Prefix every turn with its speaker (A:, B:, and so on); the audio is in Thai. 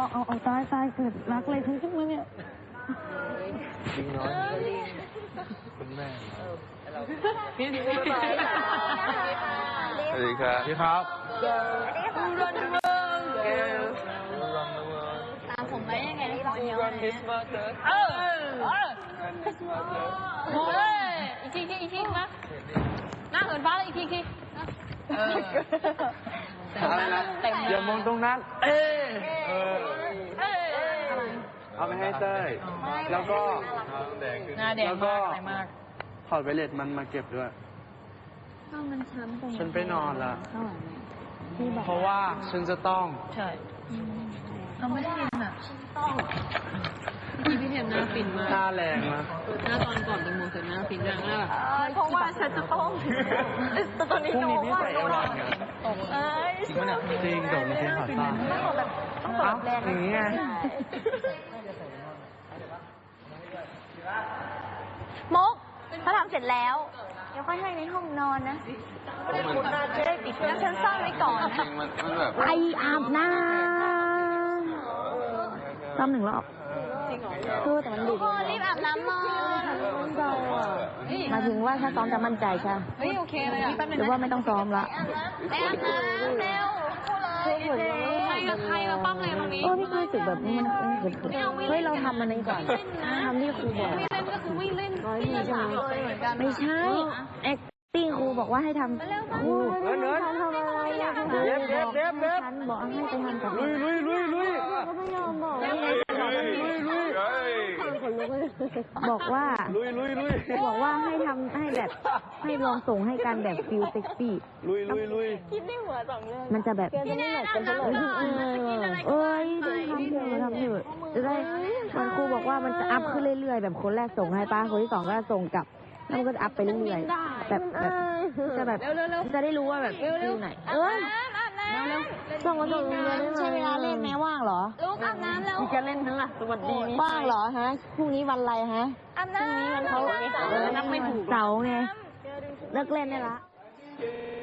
A: เอาตายเกิดรักอะไรขึ้นมาเนี่ย
B: ลิงน้อยคุณแม่สวัสดีครับสวัสดีครับ
C: ตามผมได้ยังไงที่ร้อนเยอะเลยอีกทีนะหน้าเหมือนฟ้าเลยอีกที
B: อย่ามองตรงนั้นเอาไปให้เต้ยแล้วก็ถอดไวเลสมันมาเก็บด้วยฉันไปนอนละเพราะว่าฉันจะต้อง
C: ใช่เราไม่ได้ยินอ่ะพี่เทมหน้าฟินมาก
B: หน้าแรงนะ
C: หน้าตอนก่อนเป็นโมเสสหน้าฟินมากเพราะว่าฉันจะต้องแต่ตอนนี้น้องว่าโดน
B: จริงไหมเนี่ยจริงแต่ไม่ใช่ขาสั้น
C: ต้องตบแรง
B: อย่างนี้ไง
A: มกถ้าทำเสร็จแล้วเดี๋ยวค่อยให้ในห้องนอนนะจะได้ปิดแล้วฉันซ่อนไว้ก่อนนะไปอาบน้ำซ้ำ1 รอบคือแต่มันดึกรีบอาบน้ำมาหมายถึงว่าถ้าซ้อมจะมั่นใจใช่
C: เฮ้ยโอเคเลยอ่ะ
A: หรือว่าไม่ต้องซ้อมละ
C: ไปอาบน้ำเร็วใครมาปั้มอะไรตรงนี้
A: พี่รู้สึกแบบมันเฮ้ยเราทำมันนี้ก่อนทำที่ครูบอก
C: ไม่เล่นก็คือไม่เล่น
A: ไม่ใช่ acting ครูบอกว่าให้ทำครูทำอะไรฉันบอกให้ไปทำกับ
B: ลุย
A: ก็ไม่ยอมบอกว่าให้ทำให้แบบให้ลองส่งให้กันแบบฟิลเซ็กซี่
B: ลุย
A: คิดในหัว2 เรื่องมันจะแบบจะไม่หนักกันเท่าไหร่ทำเถอะจะได้มันครูบอกว่ามันจะอัพขึ้นเรื่อยๆแบบคนแรกส่งให้ป้าคนที่2ก็ส่งกลับแล้วมันก็จะอัพไปเรื่อยๆแบบจะแบบจะได้รู้ว่าแบบฟิลไหนส่งมาส่งใช้เวลาเล่นแม้ว่างเหรอ
C: ลูกอาบน้ำแล้ว
A: จะเล่นทั้งสวัสดีว่างเหรอฮะพรุ่งนี้วันอะไรฮะ
C: อาบน้ำ
A: พรุ่งนี้วันเขานับไม่ถูกเสาร์ไงเลิกเล่นได้ละ